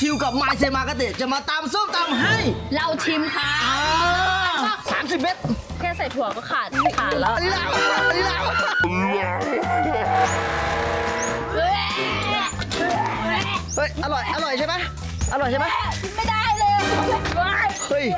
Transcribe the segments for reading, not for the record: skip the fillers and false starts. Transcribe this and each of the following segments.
ทิวกับไมเซมากาเตะจะมาตำส้มตำให้เราชิมค่ะ 30 เม็ดแค่ใส่ถั่วก็ขาดแล้วอันนี้แล้วเฮ้ยอร่อยใช่ไหมอร่อยใช่ไหมไม่ได้เลยเฮ้ย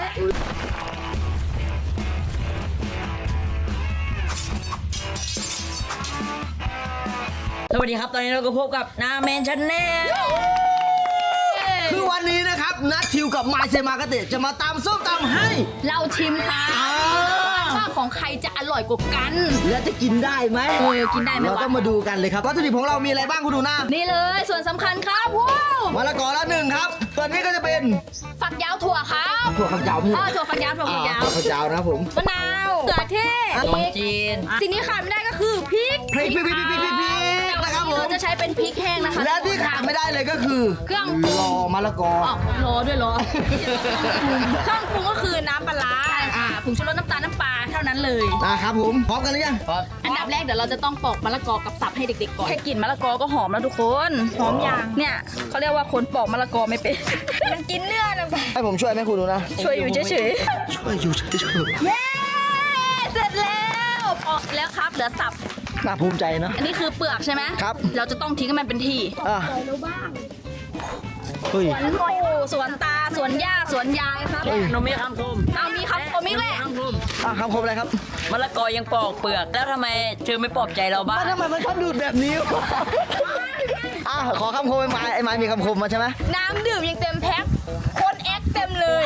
สวัสดีครับตอนนี้เราก็พบกับนาแมนชาแนลคือวันนี้นะครับนัททิวกับไมเซมากาเตะจะมาตำส้มตำให้เราชิมค่ะว่าของใครจะอร่อยกว่ากันแล้วจะกินได้ไหมกินได้ไหมเราต้องมาดูกันเลยครับวัตถุดิบของเรามีอะไรบ้างคุณดูหน้านี่เลยส่วนสำคัญครับมะละกอละ1ครับตัวนี้ก็จะเป็นฝักยาวถั่วครับถั่วฝักยาวถั่วฝักยาวถั่วฝักยาวนะครับผมมะนาวเขือเทศขนมจีนสิ่งที่ขาดไม่ได้ก็คือพริกนะครับผมเราจะใช้เป็นพริกแห้งนะคะและที่ขาดไม่ได้เลยก็คือเครื่องรอมะละกอรอด้วยเครื่องปรุงก็คือน้ำปลาผงชูรสน้ำตาลน้ำปลาเท่านั้นเลยนะครับผมพร้อมกันหรือยังอันดับแรกเดี๋ยวเราจะต้องปอกมะละกอกับสับให้เด็กๆก่อนแค่กลิ่นมะละกอก็หอมแล้วทุกคนหอมอย่างเนี่ยเขาเรียกว่าคนปอกมะละกอไม่เป็นมันกินเนื้อนะให้ผมช่วยไหมคุณดูนะช่วยอยู่เฉยช่วยอยู่เฉยเสร็จแล้วปอกแล้วครับเหลือสับน่าภูมิใจนะอันนี้คือเปลือกใช่ไหมครับเราจะต้องทิ้งให้มันเป็นที่สวนปู่สวนตาสวนย่าสวนยายครับนมมีคำคมมีคำคมอีกแหละคำคมอะไรครับมะละกอยังปอกเปลือกแล้วทำไมเธอไม่ปลอบใจเราบ้างทำไมมันชอบดูดแบบนี้ขอคำคมไอ้ไม้มีคำคมมาใช่ไหมน้ำดื่มยังเต็มแพ็คคนแอคเต็มเลย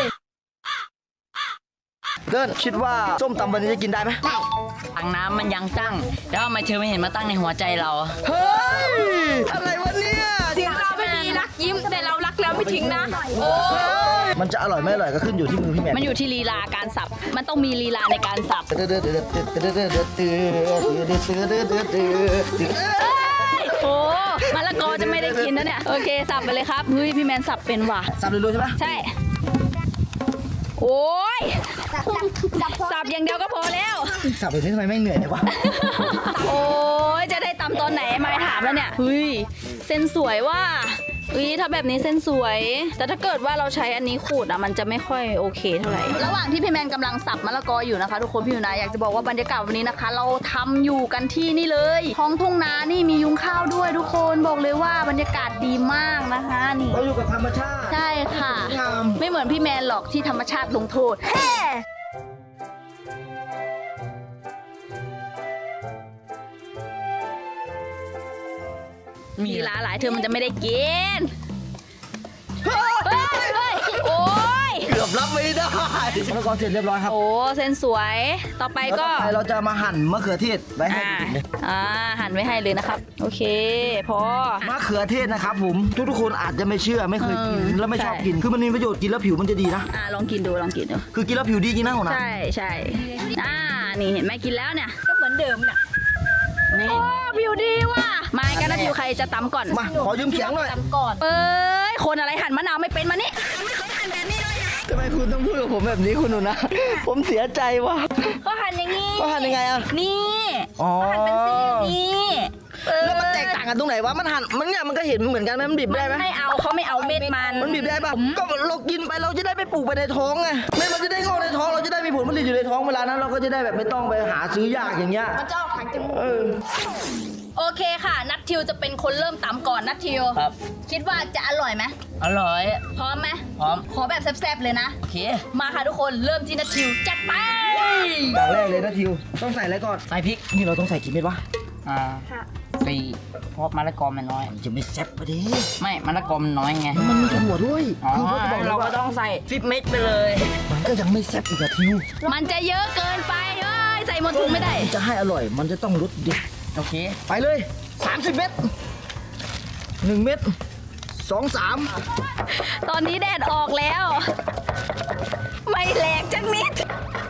เดินคิดว่าส้มตำวันนี้จะกินได้ไหมถังน้ำมันยังตั้งแล้วทำไมเธอไม่เห็นมาตั้งในหัวใจเราเฮ้ยอะไรวะเนี่ยทิ้งเราไม่มีรักยิ้มแต่เรารักแล้วไม่ทิ้งนะโอ้มันจะอร่อยไม่อร่อยก็ขึ้นอยู่ที่มือพี่แมนมันอยู่ที่ลีลาการสับมันต้องมีลีลาในการสับโอ้มะละกอจะไม่ได้กินนะเนี่ยโอเคสับไปเลยครับเฮ้ยพี่แมนสับเป็นว่ะสับเลยใช่ไหมใช่โอ้ยสับอย่างเดียวก็พอแล้วสับแบบนี้ทำไมไม่เหนื่อยเลยวะโอ้ยจะได้ตำตอนไหนไม่ถามแล้วเนี่ยเฮ้ยเส้นสวยว่าถ้าแบบนี้เส้นสวยแต่ถ้าเกิดว่าเราใช้อันนี้ขูดมันจะไม่ค่อยโอเคเท่าไหร่ระหว่างที่พี่แมนกำลังสับมะละกออยู่นะคะทุกคนพี่อยู่นะอยากจะบอกว่าบรรยากาศวันนี้นะคะเราทำอยู่กันที่นี่เลยท้องทุ่งนานี่มียุ้งข้าวด้วยทุกคนบอกเลยว่าบรรยากาศดีมากนะคะนี่เราอยู่กับธรรมชาติใช่ค่ะไม่เหมือนพี่แมนหรอกที่ธรรมชาติลงโทษมีลาหลายเธอมันจะไม่ได้กินโอ้ยเกือบรับไม่ได้มะละกอเสร็จเรียบร้อยครับโอ้เส้นสวยต่อไปก็เราจะมาหั่นมะเขือเทศไว้ให้หั่นไว้ให้เลยนะครับโอเคพอมะเขือเทศนะครับผมทุกคนอาจจะไม่เชื่อไม่เคยกินแล้วไม่ชอบกินคือมันมีประโยชน์กินแล้วผิวมันจะดีนะลองกินดูคือกินแล้วผิวดีจริงนะหัวหน้าใช่นี่เห็นไหมกินแล้วเนี่ยก็เหมือนเดิมเนี่ยโอ้ผิวดีว่ะไม่กันนะผิวใครจะตำก่อนมาขอยืมเขียงหน่อยตำก่อนคนอะไรหั่นมะนาวไม่เป็นมานี่ไม่เคยหั่นแบบนี้เลยทำไมคุณต้องพูดกับผมแบบนี้คุณหนูนะผมเสียใจว่ะก็หั่นอย่างนี้ก็หั่นยังไงนี่หั่นเป็นซี่นี่แล้วมันแตกต่างกันตรงไหนวะมันหั่นมันเนี่ยมันก็เห็นเหมือนกันไหมมันบีบได้ไหมไม่เอาเขาไม่เอาเม็ดมันบีบได้ป่ะก็เรากินไปเราจะได้ไปปลูกไปในท้องไงเม็ดมันจะได้งอกในท้องเราจะได้มีผลผลิตอยู่ในท้องเวลานั้นเราก็จะได้แบบไม่ต้องไปหาซื้อยากอย่างเงี้ยมันจะออกทางจมูกโอเคค่ะนัททิวจะเป็นคนเริ่มตำก่อนนัททิวครับคิดว่าจะอร่อยไหมอร่อยพร้อมไหมพร้อมขอแบบแซ่บๆเลยนะโอเคมาค่ะทุกคนเริ่มที่นัททิวจัดไปอย่างแรกเลยนัททิวต้องใส่อะไรก่อนใส่พริกนี่เราต้องใส่กี่เม็ดวะ 4เพราะมะละกอมันน้อยจะไม่แซ่บปะดิไม่มะละกอมันน้อยไงมันมีถั่วด้วยคือเราก็ต้องใส่10 เม็ดไปเลยมันก็ยังไม่แซ่บอีกอะทิวมันจะเยอะเกินไปใส่หมดถุงไม่ได้จะให้อร่อยมันจะต้องรสเด็ดโอเคไปเลย30 เม็ด1 เม็ด2 3 ตอนนี้แดดออกแล้วไม่แหลกจังนิด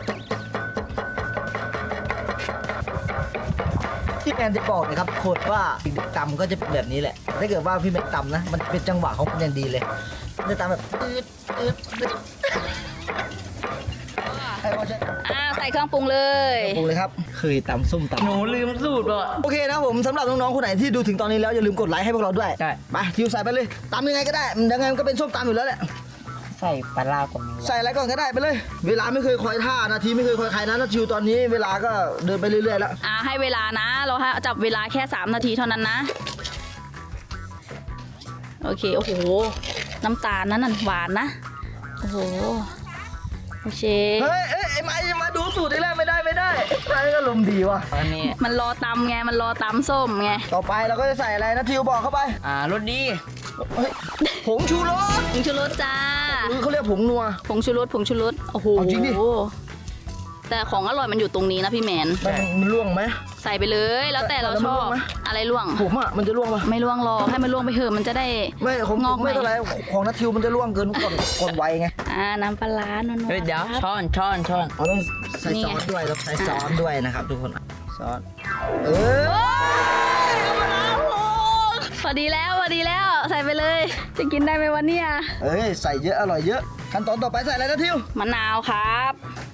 ที่แมนจะบอกนะครับโคตรว่าตำก็จะแบบนี้แหละถ้าเกิดว่าพี่แมนตำนะมันเป็นจังหวะของมันอย่างดีเลยจะตำแบบให้พ่อใช้ใส่เครื่องปรุงเลยปรุงเลยครับเคยตำส้มตำหนูลืมสูตรว่ะโอเคนะผมสำหรับน้องๆคนไหนที่ดูถึงตอนนี้แล้วอย่าลืมกดไลค์ให้พวกเราด้วยใช่ไปทิวใส่ไปเลยตำยังไงก็ได้ยังไงมันก็เป็นส้มตำอยู่แล้วแหละใส่ปลาร้าก่อนดีกว่าใส่อะไรก่อนก็ได้ไปเลย เวลาไม่เคยคอยท่านาทีไม่เคยคอยใครนะนาทิวตอนนี้เวลาก็เดินไปเรื่อยๆแล้วให้เวลานะ เราจับเวลาแค่3นาทีเท่านั้นนะ โอเค โอ้โห น้ำตาลนั้นหวานนะ โอ้โห โอเคเฮ้ยไอ้ไม้จะมาดูสูตรได้แล้วไม่ได้ไม้ก็ลมณ์ดีว่ะตอนนี้มันรอตำไง มันรอตำส้มไงต่อไปเราก็จะใส่อะไรนะทิวบอกเข้าไปรสดีเฮ้ยผงชูรสผงชูรสจ้าหรือเขาเรียกผงนัวผงชูรส ผงชูรส โอ้โหเอาจริงดิแต่ของอร่อยมันอยู่ตรงนี้นะพี่แมนมันล่วงไหมใส่ไปเลย แล้วแต่เราแล้วชมันอร่วบงไหมอะไรล่วงผมอ่ะมันจะล่วงปะไม่ล่วงหรอกให้มันล่วงไปเถอะมันจะได้ไม่ของงอกไม่เท่าไหรของนัททิวมันจะล่วงเกินก่อนไวไงน้ำปลาร้านัวๆเฮ้ยเดี๋ยวครับช้อนเราต้องใส่นี่ซไงอสด้วยเราใส่ซอสด้วยนะครับทุกคนซอสพอดีแล้วใส่ไปเลย จะกินได้ไหมวันเนี้ยเอ้ยใส่เยอะอร่อยเยอะขั้นตอนต่อไปใส่อะไรนะทิวมะนาวครับ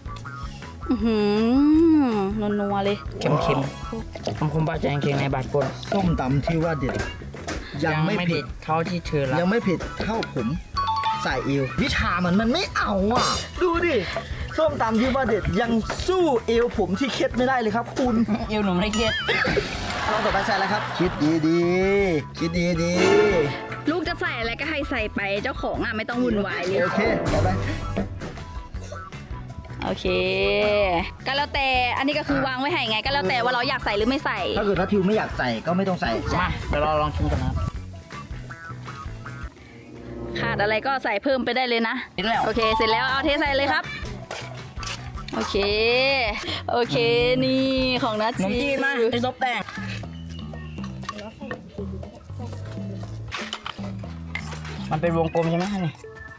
นัวๆเลยเค็มๆคมบาดใจเค็มในบาดปนส้มตำที่ว่าเด็ดยังไม่เผ็ดเท่าที่เธอรัยังไม่เผ็ดเท่าผมใส่เอววิชามันไม่เอาอ่ะ ดูดิส้มตำที่ว่าเด็ดยังสู้เอวผมที่เคล็ดไม่ได้เลยครับคุณเอวหนูไม่ได้เก็ดเราต่อไปใส่อะไรครับ คิดดีๆคิดดีลูกจะใส่อะไรก็ให้ใส่ไปเจ้าของไม่ต้องวุ่นวายเลยๆโอเคใส่ไปโอเค ก็แล้วแต่อันนี้ก็คือวางไว้ให้ไง ก็แล้วแต่ว่าเราอยากใส่หรือไม่ใส่ถ้าเกิดนัททิวไม่อยากใส่ก็ไม่ต้องใส่มาเดี๋ยวเราลองชิมกันนะครับขาดอะไรก็ใส่เพิ่มไปได้เลยนะเสร็จแล้วโอเค เสร็จแล้วเอาเทใส่เลยครับ โอเค โอเค นี่ของนัทขนมจีนมาไอ้ซบแป้งมันเป็นวงกลมใช่ไหมนี่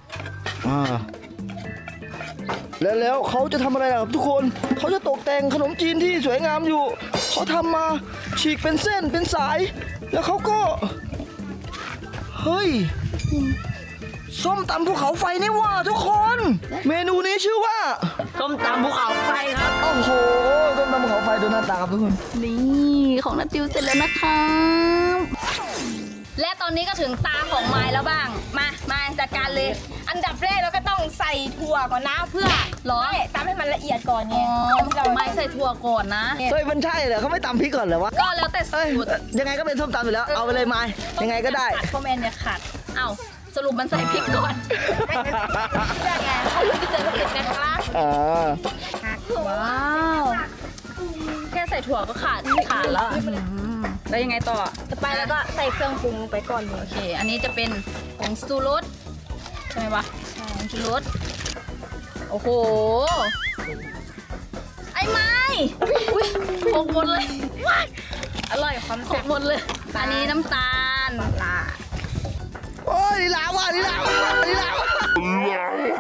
แล้วเขาจะทำอะไรล่ะครับทุกคน เขาจะตกแต่งขนมจีนที่สวยงามอยู่ เขาทำมาฉีกเป็นเส้นเป็นสาย แล้วเขาก็ เฮ้ย ส้มตำภูเขาไฟนี่ว่าทุกคน เมนูนี้ชื่อว่าส้มตำภูเขาไฟครับโอ้โห ส้มตำภูเขาไฟดูหน้าตาครับทุกคนนี่ของนัทติวเสร็จแล้วนะครับและตอนนี้ก็ถึงตาของไม้แล้วบ้าง มาจัดการเลยอันดับแรกเราก็ต้องใส่ถั่วก่อนนะเพื่อหรอไม่ตามให้มันละเอียดก่อนไงไม้ใส่ถั่วก่อนนะเฮ้ยมันใช่เหรอเขาไม่ตำพริกก่อนเหรอวะก็แล้วแต่เอ้ยสูตรยังไงก็เป็นส้มตำอยู่แล้ว เอาไปเลยไม้ยังไงก็ได้ขัดพ่อแมนเนี่ยขัดเอ้าสรุปมันใส่พริกก่อนไม่เป็นเพื่อไงเขาจะเจอเผ็ดนะคะอ่าว้าวแค่ใส่ถั่วก็ขาดแล้วแล้วยังไงต่อต่อไปแล้วก็ใส่เครื่องปรุงลงไปก่อนเลโอย เค อันนี้จะเป็นผงชูรสใช่ไหมวะผงชูรสโอ้โห ไอ้ไม้อุ้ยหกหมดเลยอร่อยความหแซ่กบหมดเลย อันนี้น้ำตาลโอ้ยนี่ลาวว่ะนี่ลาวว่ะนี่ลาวว่ะ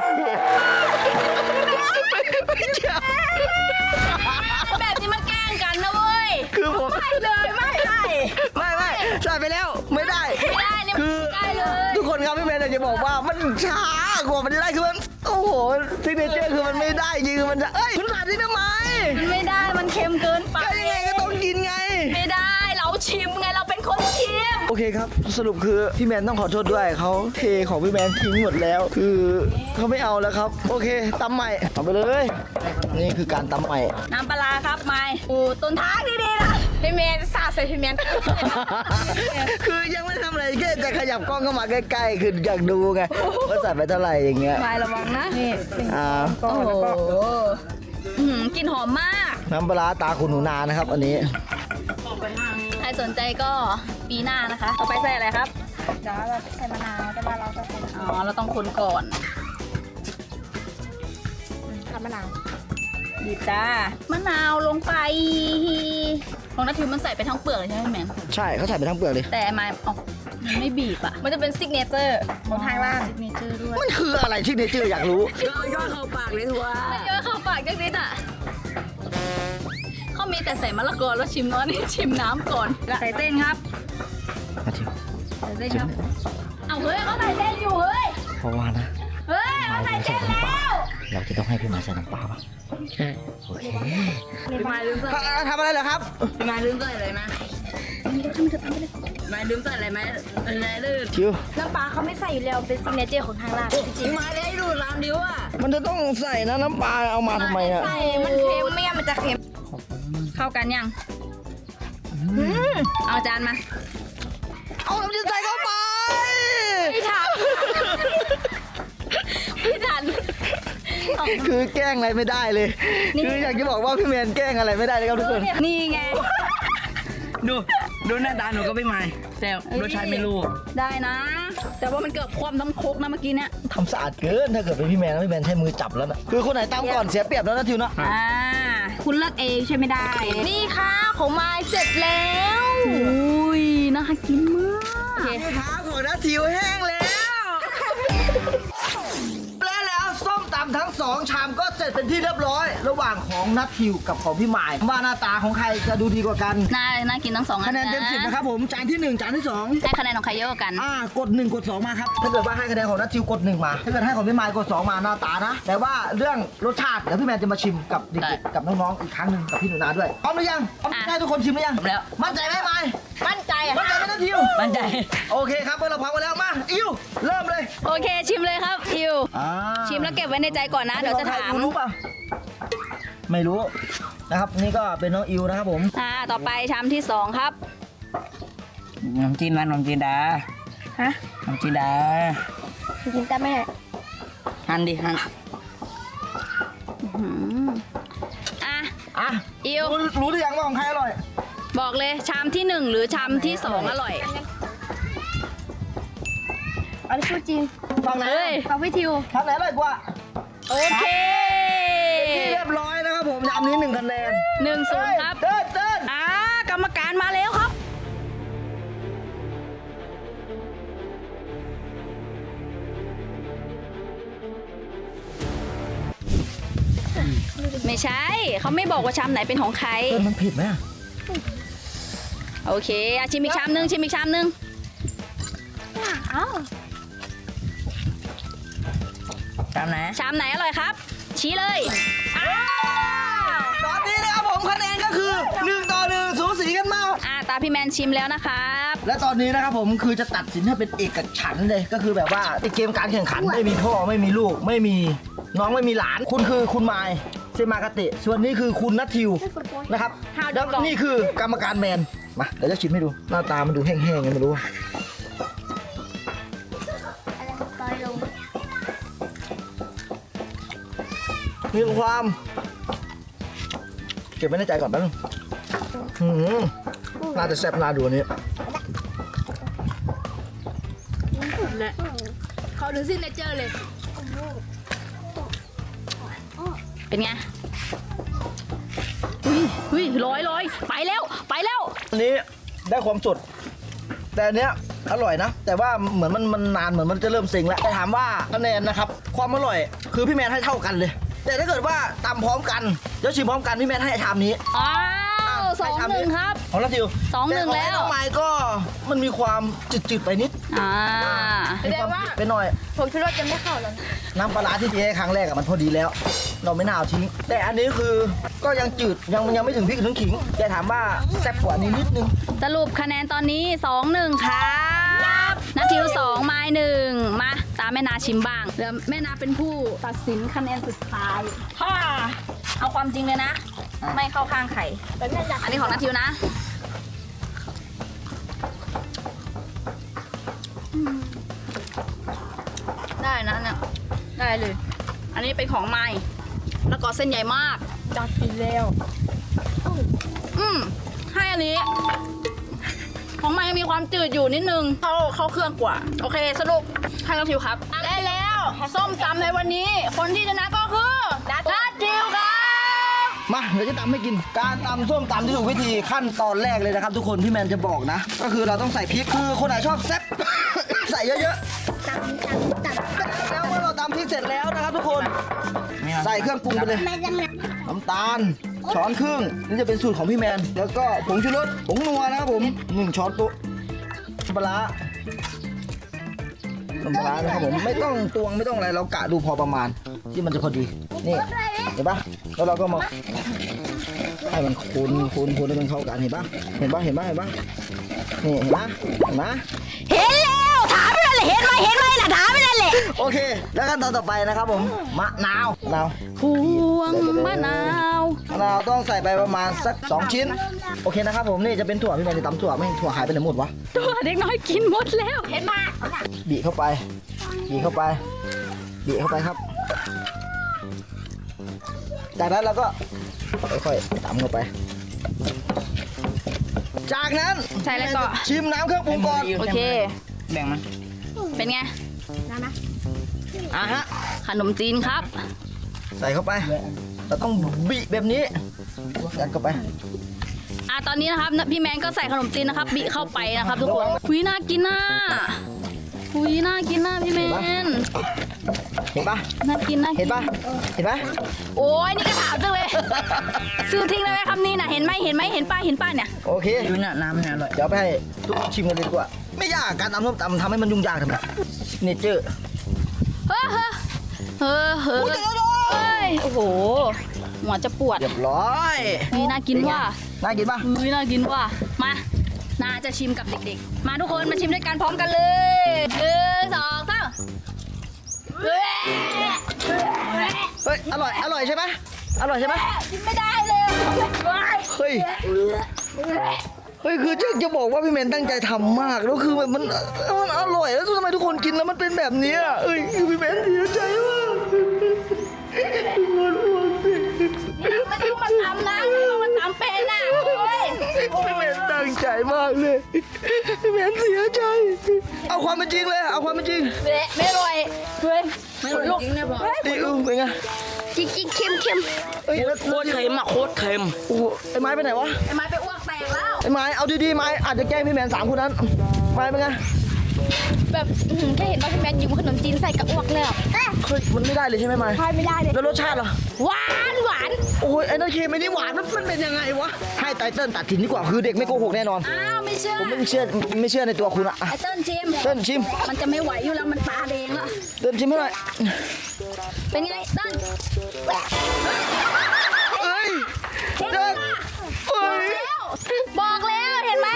แบบนี้มันแกล้งกันนะเว้ยคือผมไม่เลยไม่ไม่ใส่ไปแล้วไม่ได้ไม่ได้เนี่ยคือไม่ได้เลยทุกคนครับพี่เมย์จะบอกว่ามันช้ากว่ามันจะได้คือมันโอ้โหซิกเนเจอร์คือมันไม่ได้จริงคือมันจะเอ้ยคุณขาดที่ทำไมมันไม่ได้ มันเค็มเกินไปก็ยังไงก็ต้องกินไงไม่ได้ เราชิมไง เราเป็นคนชิมโอเคครับสรุปคือพี่แมนต้องขอโทษด้วยเขาเทของพี่แมนทิ้งหมดแล้ว คือเขาไม่เอาแล้วครับ โอเคตำใหม่เอาไปเลย นี่คือการตำใหม่น้ำปลาร้าครับไม้อูต้นทางดีๆนะพี่เมย์สาดใส่พี่เมย์คือยังไม่ทำอะไรแค่จะขยับกล้องเข้ามาใกล้ๆคืออยากดูไงว่าใส่ไปเท่าไหร่อย่างเงี้ยไม้ระวังนะนี่อ่าโอ้โหกลิ่นหอมมากน้ำปลาร้าตาคุณหนูนานะครับ อันนี้ใครสนใจก็ปีหน้านะคะ ต่อไปใส่อะไรครับเดี๋ยวเราใส่มะนาวแต่ว่าเราจะเป็นอ๋อ เราต้องคนก่อนกับมะนาวบีบจ้ามะนาวลงไป ของนัททิวมันใส่ไปทั้งเปลือกเลยใช่ไหมแมนใช่เขาใส่ไปทั้งเปลือกเลยแต่ไม้อ๋อมันไม่บีบอ่ะมันจะเป็นซิกเนเจอร์ของทางร้านซิกเนเจอร์ด้วยมันคืออะไรที่เนเจอร์อยากรู้ย่อเข้าปากเลยทัวไม่เยอะเข้าปากจังนิดอ่ะเขามีแต่ใส่มะละกอแล้วชิมน้อยนี่ชิมน้ำก่อน ใส่เส้นครับมาทิวใส่เส้นครับ เอาเฮ้ยเขาใส่เส้นอยู่เฮ้ยเพราะว่านะเฮ้ยเขาใส่เส้นแล้วเราจะต้องให้พี่หมายใส่น้ำปลาป่ะใช่โอเคพี่ไม้ลืมใส่ทำอะไรเหรอครับพี่มาลืมใส่อะไรไหมมาลืมใส่อะไรไหมอะไรลืมชิวน้ำปลาเขาไม่ใส่อยู่แล้วเป็นซิกเนเจอร์ของทางร้านจริงพี่มาได้ดูร้านดิวอ่ะมันจะต้องใส่นะน้ำปลาเอามาทำไมอ่ะๆใส่มันเค็มไม่งั้นมันจะเค็มเข้ากันยังเอาจานมาเอาน้ำจิ้มใส่เข้าไปพี่ทันพี่ทันคือแกล้งอะไรไม่ได้เลย คืออยากจะบอกว่าพี่แมนแกล้งอะไรไม่ได้เลยครับทุกคนนี่ไงดูหน้าตาหนูก็ไม่มาแต่รสชาติไม่รู้ได้นะ แต่ว่ามันเกือบคว่ำทั้งครกนะเมื่อกี้เนี่ยทำสะอาดเกินถ้าเกิดเป็นพี่แมนแล้วพี่แมนใช้มือจับแล้วนะคือคนไหนตามก่อนเสียเปรียบแล้วนะทิวนะคุณเลือกเองใช่ไม่ได้นี่ค่ะของไม้เสร็จแล้วอุ้ยน่ากินมากเท้าของนัททิวแห้งแล้วแล้วส้มตำทั้ง2ชามก็เสร็จเป็นที่เรียบร้อย ระหว่างของนัททิวกับของพี่หมายว่าหน้าตาของใครจะดูดีกว่ากันน่ากินทั้งสองอันคะแนนเต็ม10นะครับผมจานที่1จานที่2 ให้คะแนนของใครเยอะกว่ากันกด1กด2มาครับถ้าเกิดว่าให้คะแนนของนัททิวกด1มาถ้าเกิดให้ของพี่หมายกด2มาหน้าตานะ แต่ว่าเรื่องรสชาติเดี๋ยวพี่แมนจะมาชิมกับเด็กๆกับน้องๆอีกครั้งหนึ่งกับพี่หนูนาด้วยพร้อมหรือยังพร้อมให้ทุกคนชิมหรือยังแล้วมั่นใจไหมหมายมั่นใจอะมั่นใจไหมนัททิวมั่นใจโอเคครับเมื่อเราพร้อมกันแล้วมาอิวเริ่มเลยโอเคชิมเลยครับอิวชิมแล้วเก็บไว้ในใจก่อนนะ เดี๋ยวจะถามรู้ป่ะไม่รู้นะครับนี่ก็เป็นน้องอิวนะครับผมต่อไปชามที่2ครับน้ำจีนมันน้ำจีนดาฮะน้ำจีนดากินแต่ไม่ได้หั่นดิหั่นอ่ะอ่ะอิวรู้หรือยังว่าของใครอร่อยบอกเลยชามที่1หรือชามที่2อร่อยอันนี้พูดจริงฝั่งไหนเฮ้ยฟังพี่ทิวฝั่งไหนอร่อยกว่าโอเคเรียบร้อยนะครับผมยำนี้1คะแนน 1-0ครับเติ้ลกรรมการมาแล้วครับ ไม่ใช่ เขาไม่บอกว่าชามไหนเป็นของใครเติ้ลมันผิดไหมอะโอเคชิมอีกชามนึงชิมอีกชามนึงอ้าวตามไหนชามไหนอร่อยครับ ชี้เลยอ้าวตอนนี้นะครับผมคะแนนก็คือ1-1สูสีกันมากตาพี่แมนชิมแล้วนะครับและตอนนี้นะครับผมคือจะตัดสินให้เป็นเอกฉันท์เลยก็คือแบบว่าในเกมการแข่งขันไม่มีพ่อไม่มีลูกไม่มีน้องไม่มีหลานคุณคือคุณมายเซมากาเตะส่วนนี้คือคุณนัททิวนะครับแล้วนี่คือกรรมการแมนมาเดี๋ยวจะชิมให้ดูหน้าตามันดูแห้งๆไงไม่รู้ต่อยลงมีความเก็บไว้ในใจก่อนแป๊บนึงน่าจะแซ่บน่าดูอันนี้และเขาดูซิกเนเจอร์เลยเป็นไงอุ้ยร้อยไปแล้วอันนี้ได้ความสดแต่อันเนี้ยอร่อยนะ แต่ว่าเหมือนมันนานเหมือนมันจะเริ่มเซ็งแล้วแต่ถามว่าคะแนนนะครับความอร่อยคือพี่แมนให้เท่ากันเลย แต่ถ้าเกิดว่าตำพร้อมกันแล้วชิมพร้อมกันพี่แมนให้ชามนี้อ้าว2-1ครับของนัททิว 2-1 ต่ของแล้วน้องไม้ก็มันมีความจืดๆไปนิด มีความจืดไปหน่อยผมคิดว่าจะไม่เข้าแล้วนะน้ำปลาร้าที่เทให้ครั้งแรกอะมันพอดีแล้ว เราไม่น่าเอาทิ้ง แต่อันนี้คือก็ยังจืดยังไม่ถึงพริกถึงขิงแต่ถามว่าแซ่บกว่านี้นิดนึงสรุปคะแนนตอนนี้ 2-1 ครับนาทิว2ไม้1มาตามแม่นาชิมบ้างเดี๋ยวแม่นาเป็นผู้ตัดสินคะแนนสุดท้ายเอาความจริงเลยนะ ไม่เข้าข้างใครแต่แม่อยากอันนี้ของนาทิวนะได้นะเนี่ยได้เลย อันนี้เป็นของไม้แล้วก็เส้นใหญ่มากจัดกินแล้วให้อันนี้ ของไม้ยังมีความจืดอยู่นิดนึงเข้าเครื่องกว่า โอเคสรุปให้น้องทิวครับได้แล้วส้มตำในวันนี้ คนที่ชนะก็คือนัททิวครับมาเดี๋ยวจะตำให้กิน การตำส้มตำที่ถูกวิธีขั้นตอนแรกเลยนะครับ ทุกคนพี่แมนจะบอกนะ ก็คือเราต้องใส่พริกคือคนไหนชอบแซ่บ ใส่เยอะๆแล้วเมื่อเราตำพริกเสร็จแล้วนะครับ ทุกคนใส่เครื่องปรุงไปเลยน้ำตาลช้อนครึ่งนี่จะเป็นสูตรของพี่แมนแล้วก็ผงชูรสผงนัวนะครับผม1 ช้อนโต๊ะปลาร้าน้ำปลาร้านะครับผมไม่ต้องตวงไม่ต้องอะไรเรากะดูพอประมาณที่มันจะพอดีนี่เห็นปะแล้วเราก็มาให้มันคูณให้มันเข้ากันเห็นปะนี่เห็นปะเห็นแล้วถามไม่ได้เลยเห็นไหมล่ะถามไม่ได้เลยโอเคแล้วขั้นตอนต่อไปนะครับผมมะนาวพวงมะนาวต้องใส่ไปประมาณสัก2ชิ้นโอเคนะครับผมนี่จะเป็นถั่วพี่แมนจะตำถั่วไม่ถั่วหายไปไหนหมดวะตัวเด็กน้อยกินหมดแล้วเห็นไหมบีเข้าไปครับ จากนั้นเราก็ค่อยๆตำเข้าไป จากนั้นใช่แล้วก็ชิมน้ำเครื่องปรุงก่อนโอเคแบ่งมันเป็นไงอ่ะฮะขนมจีนครับใส่เข้าไป เราต้องบีแบบนี้ยัดเข้าไปตอนนี้นะครับพี่แมนก็ใส่ขนมจีนนะครับบีเข้าไปนะครับทุกคนหุยน่ากินน่ะพี่แมนเห็นปะน่ากินเห็นปะโอ้ยนี่ก็ถามจังเลยซื้อทิ้งได้ไหมคำนี้น่ะเห็นไหมเห็นป้าเนี่ยโอเคดูเนี่ยน้ำเนี่ยอร่อยเดี๋ยวไปให้ทุกคนชิมกันเลยดีกว่า ไม่ยากการตำส้มตำทำให้มันยุ่งยากทำไมเนเจอร์เฮ้ยโอ้โหหัวจะปวดเรียบร้อยนี่น่ากินว่ะน่ากินปะน่ากินว่ะมาน่าจะชิมกับเด็กๆมาทุกคนมาชิมด้วยกันพร้อมกันเลย1 2 3 เฮ้ยอร่อยใช่ไหมกินไม่ได้เลยเฮ้ยคือจะบอกว่าพี่เมนตั้งใจทำมากแล้วคือมันอร่อยแล้วทำไมทุกคนกินแล้วมันเป็นแบบนี้อ่ะพี่เมนเสียใจมากไม่ต้องมาทำนะมันทำเป็นนะพี่เมนตั้งใจมากเลยพี่เมนเสียใจเอาความเป็นจริงเลยเอาความเป็นจริงไม่อร่อยเฮ้ยไม่อร่อยจริงเนี่ยบอกดิเป็นไงจริงเค็มเฮ้ยแล้วโคตรเค็มอ่ะโคตรเค็มโอ้โหไอ้ไม้ไปไหนวะไอ้ไม้ไปอ้วกแตกแล้วไอ้ไม้เอาดีๆไม้อาจจะแกล้งพี่แมน3คนนั้นไม้เป็นไงแบบแค่เห็นว่าพี่แมนยิ้มขนมจีนใส่กระอ้วกเลยอ่ะเฮ้ยมันไม่ได้เลยใช่ไหมไม้ทานไม่ได้เลยแล้วรสชาติล่ะหวานโอ้ยไอ้นั่นเค็มไอ้นี่หวานมันเป็นยังไงวะให้ไตเติ้ลตัดสินดีกว่าคือเด็กไม่โกหกแน่นอนอ้าวไม่เชื่อผมไม่เชื่อในตัวคุณอะไอ้เติ้ลชิมเติ้ลชิมมันจะไม่ไหวอยู่แล้วมันตาแดงแล้วเติ้ลชิมให้หน่อยเป็นไงเติ้ลเอ้ยเห็นเติ้ลปะเอ้ยบอกแล้วเห็นไหม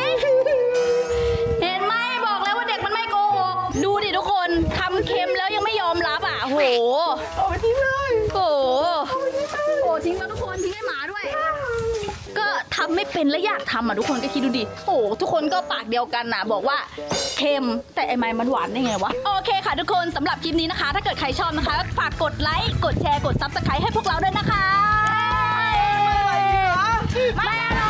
บอกแล้วว่าเด็กมันไม่โกหกดูดิทุกคนทำเค็มแล้วยังไม่ยอมรับอ่ะโหเอาไปทิ้งเลยโหทิ้งแล้วทุกคนทิ้งให้หมาด้วย ก็ทำไม่เป็นและอยากทำอ่ะทุกคนก็คิดดูดิโอ้ทุกคนก็ปากเดียวกันนะบอกว่าเค็มแต่ไอ้ไม้มันหวานได้ไงวะโอเคค่ะทุกคนสำหรับคลิปนี้นะคะ ถ้าเกิดใครชอบนะคะฝากกดไลค์กดแชร์กด Subscribe ให้พวกเราด้วยนะคะไม่อร่อย